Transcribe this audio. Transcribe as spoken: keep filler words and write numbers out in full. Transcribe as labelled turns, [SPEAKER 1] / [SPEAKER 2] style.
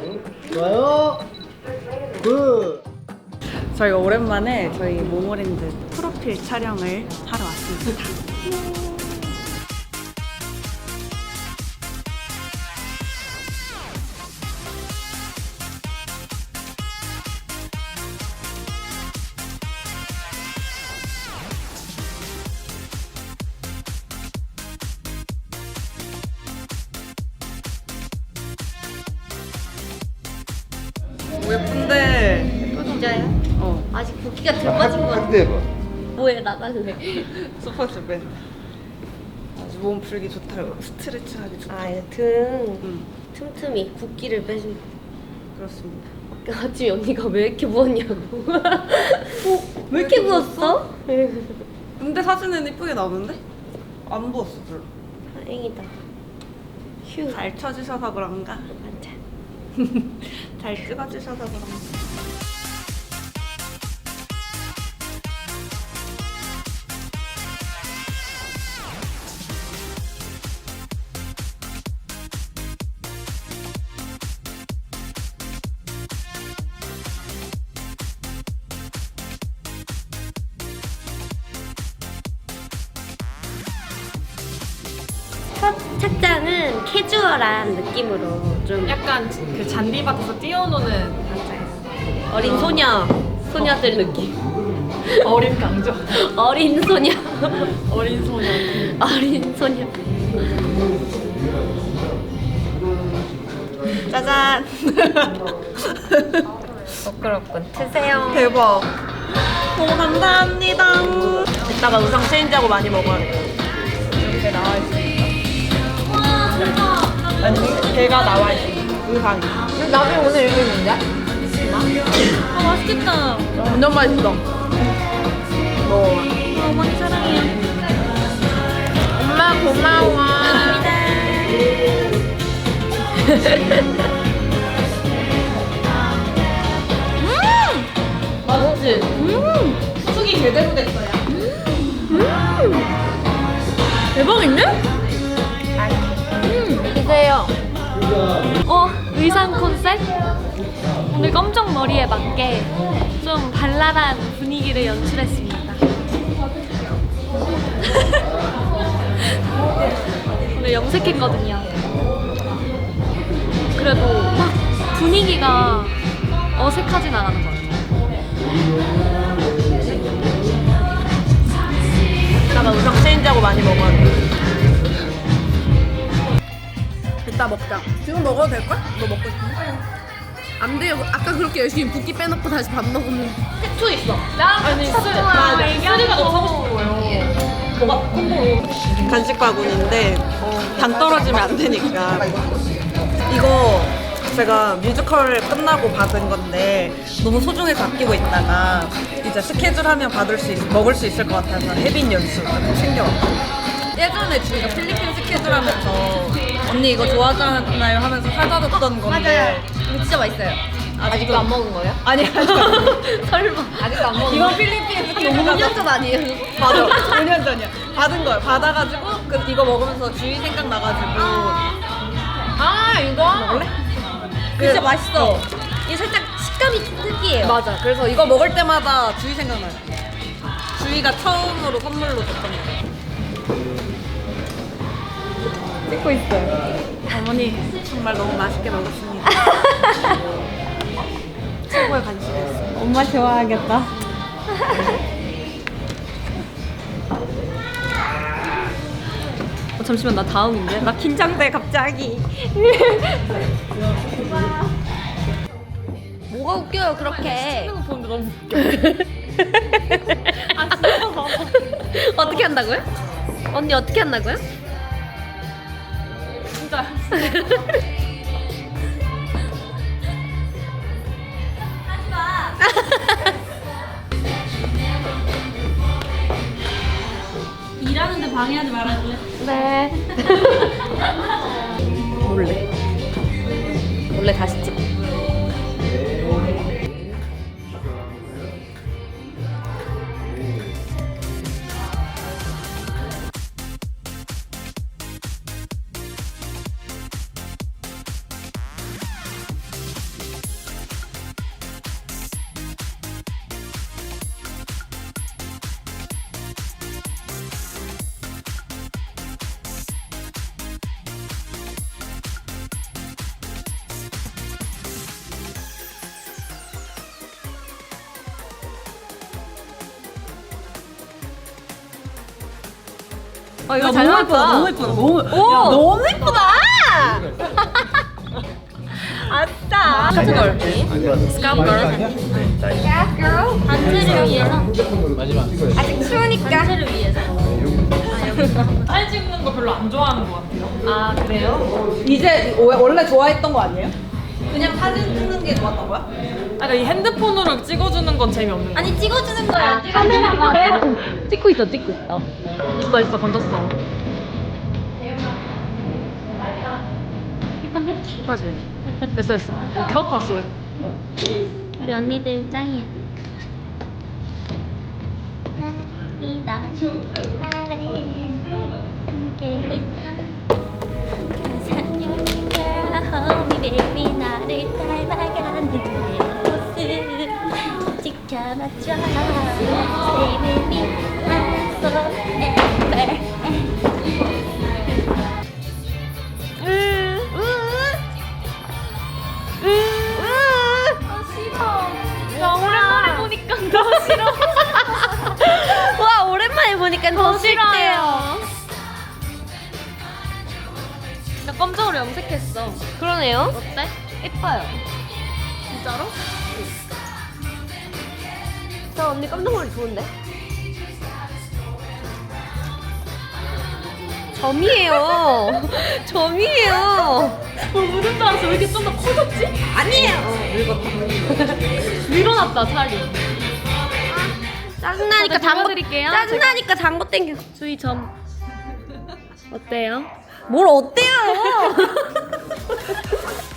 [SPEAKER 1] 좋아요. 굿.
[SPEAKER 2] 저희가 오랜만에 저희 모모랜드 프로필 촬영을 하러 왔습니다. 오, 예쁜데.
[SPEAKER 3] 진짜요?
[SPEAKER 2] 어.
[SPEAKER 3] 아직 붓기가 덜 빠진 것 같아.
[SPEAKER 1] 확대해봐.
[SPEAKER 3] 뭐해 나갈래?
[SPEAKER 2] 소파스 밴드. 아주 몸 풀기 좋다고. 스트레칭하기 좋다.
[SPEAKER 3] 아, 등
[SPEAKER 2] 응,
[SPEAKER 3] 틈틈이 붓기를 빼준.
[SPEAKER 2] 그렇습니다.
[SPEAKER 3] 아까 아침에 언니가 왜 이렇게 부었냐고. 어? 왜 이렇게 부었어?
[SPEAKER 2] 근데 사진은 이쁘게 나오는데? 안 부었어, 별로.
[SPEAKER 3] 다행이다. 휴.
[SPEAKER 2] 잘 쳐주셔서 그런가?
[SPEAKER 3] 맞아.
[SPEAKER 2] 잘 찍어주셔서 그런가?
[SPEAKER 3] 첫 착장은 캐주얼한 느낌으로 좀
[SPEAKER 4] 약간 그 잔디밭에서 뛰어노는
[SPEAKER 3] 어린 소녀, 소녀들 느낌.
[SPEAKER 4] 어린 강조.
[SPEAKER 3] 어린 소녀.
[SPEAKER 4] 어린 소녀.
[SPEAKER 3] 어린 소녀.
[SPEAKER 2] 짜잔!
[SPEAKER 3] 부끄럽군. 드세요.
[SPEAKER 2] 대박! 너무 감사합니다. 이따가 의상 체인지하고 많이 먹어야겠다. 이렇게 나와 있으니까. 아니, 걔가 나와 있어. 의상이.
[SPEAKER 4] 나중에 오늘 여기 뭔데?
[SPEAKER 2] 아, 맛있겠다. 완전 맛있어. 먹어. 어머니 사랑해요.
[SPEAKER 4] 엄마 고마워.
[SPEAKER 3] 맛있지?
[SPEAKER 4] 숙이 제대로 됐어요.
[SPEAKER 2] 대박인데?
[SPEAKER 3] 드세요.
[SPEAKER 5] 어, 의상 컨셉? 오늘 검정 머리에 맞게 좀 발랄한 분위기를 연출했습니다. 오늘 염색했거든요. 그래도 막 분위기가 어색하진 않은 것 같아요.
[SPEAKER 2] 이따가 의상 체인지하고 많이 먹어야겠다. 이따 먹자. 지금 먹어도 될걸? 너 먹고 싶은데?
[SPEAKER 4] 안 돼요. 아까 그렇게 열심히 붓기 빼놓고 다시 밥 먹으면
[SPEAKER 3] 태투 있어.
[SPEAKER 4] 아니 쓰 나 쓰리가 너무 사고 싶은 거예요.
[SPEAKER 2] 뭐가 콤보로 간식 바구니인데 당 떨어지면 안 되니까 이거 제가 뮤지컬 끝나고 받은 건데 너무 소중해서 아끼고 있다가 이제 스케줄 하면 받을 수 있, 먹을 수 있을 것 같아서 혜빈 연수 이렇게 챙겨왔어요. 예전에 주희가 필리핀 스케줄 하면서 언니 이거 좋아하잖아요 하면서 사다 줬던 건데
[SPEAKER 3] 이거 진짜 맛있어요.
[SPEAKER 2] 아직도
[SPEAKER 3] 안 먹은 거예요?
[SPEAKER 2] 아니 아니
[SPEAKER 3] 설마. 아직도 안 먹은
[SPEAKER 2] 이건 필리핀 스케줄
[SPEAKER 3] 오 년
[SPEAKER 2] 가서
[SPEAKER 3] 전 아니에요?
[SPEAKER 2] 맞아 오 년 전이야 받은 거예요. 받아가지고 그 이거 먹으면서 주희 생각나가지고
[SPEAKER 4] 아 이거
[SPEAKER 2] 먹을래? 진짜 맛있어.
[SPEAKER 3] 이게 살짝 식감이 특이해요.
[SPEAKER 2] 맞아. 그래서 이거 먹을 때마다 주희 생각나요. 주희가 처음으로 선물로 줬던 거. 찍고 있어요. 어머니 정말 너무 맛있게 먹었습니다. 최고의 간식이었어요.
[SPEAKER 5] 엄마 좋아하겠다.
[SPEAKER 2] 어, 잠시만 나 다음인데? 나 긴장돼 갑자기.
[SPEAKER 3] 뭐가 웃겨요 그렇게?
[SPEAKER 4] 보는데 너무 웃겨.
[SPEAKER 3] 아 진짜 어떻게 한다고요? 언니 어떻게 한다고요?
[SPEAKER 4] 진짜.
[SPEAKER 5] 일하는데 방해하지 말아줄래?
[SPEAKER 3] 네.
[SPEAKER 2] 몰래.
[SPEAKER 3] 원래 다시 찍. 아 이거
[SPEAKER 2] 야,
[SPEAKER 3] 잘
[SPEAKER 2] 너무
[SPEAKER 3] 나왔다.
[SPEAKER 2] 예쁘다. 너무 예쁘다. 너무
[SPEAKER 3] 오!
[SPEAKER 2] 야, 너무 예쁘다. 아싸.
[SPEAKER 3] 카트 넓기. 스카프 단체를 위해서.
[SPEAKER 1] 아직 추우니까.
[SPEAKER 3] 단체를 위해서.
[SPEAKER 4] 사진 찍는 거 별로 안 좋아하는 것 같아요.
[SPEAKER 3] 아 그래요?
[SPEAKER 2] 이제 오- 원래 좋아했던 거 아니에요? 그냥 사진 찍는 게 좋았던 거야?
[SPEAKER 4] 아까 이 핸드폰으로 찍어주는 건 재미없는 거.
[SPEAKER 3] 아니 찍어주는 거야. 카메라가 찍고 있어, 찍고 있어.
[SPEAKER 4] 있어 있어 건졌어. 맞지? 됐어 됐어. 어, 겨 봤어.
[SPEAKER 3] 우리 언니들 짱이야. 이다 baby 나를 닮아가는 내 모습 지켜봐줘 Stay with me forever 나 오랜만에 보니까 더 싫어. 와 오랜만에 보니까 더 싫대요.
[SPEAKER 5] 나 검정으로 염색했어.
[SPEAKER 3] 그러네요.
[SPEAKER 5] 어때?
[SPEAKER 3] 예뻐요.
[SPEAKER 5] 진짜로?
[SPEAKER 3] 저 언니 깜짝머리 좋은데? 점이에요. 점이에요.
[SPEAKER 5] 뭐 묻은 줄 알았어. 왜 이렇게 좀 더 커졌지?
[SPEAKER 2] 아니에요.
[SPEAKER 5] 밀어놨다 살이.
[SPEAKER 3] 짜증나니까
[SPEAKER 5] 제가
[SPEAKER 3] 장고
[SPEAKER 5] 잡아드릴게요.
[SPEAKER 3] 짜증나니까 장고 땡겨.
[SPEAKER 5] 주희 점. 어때요?
[SPEAKER 3] 뭘 어때요?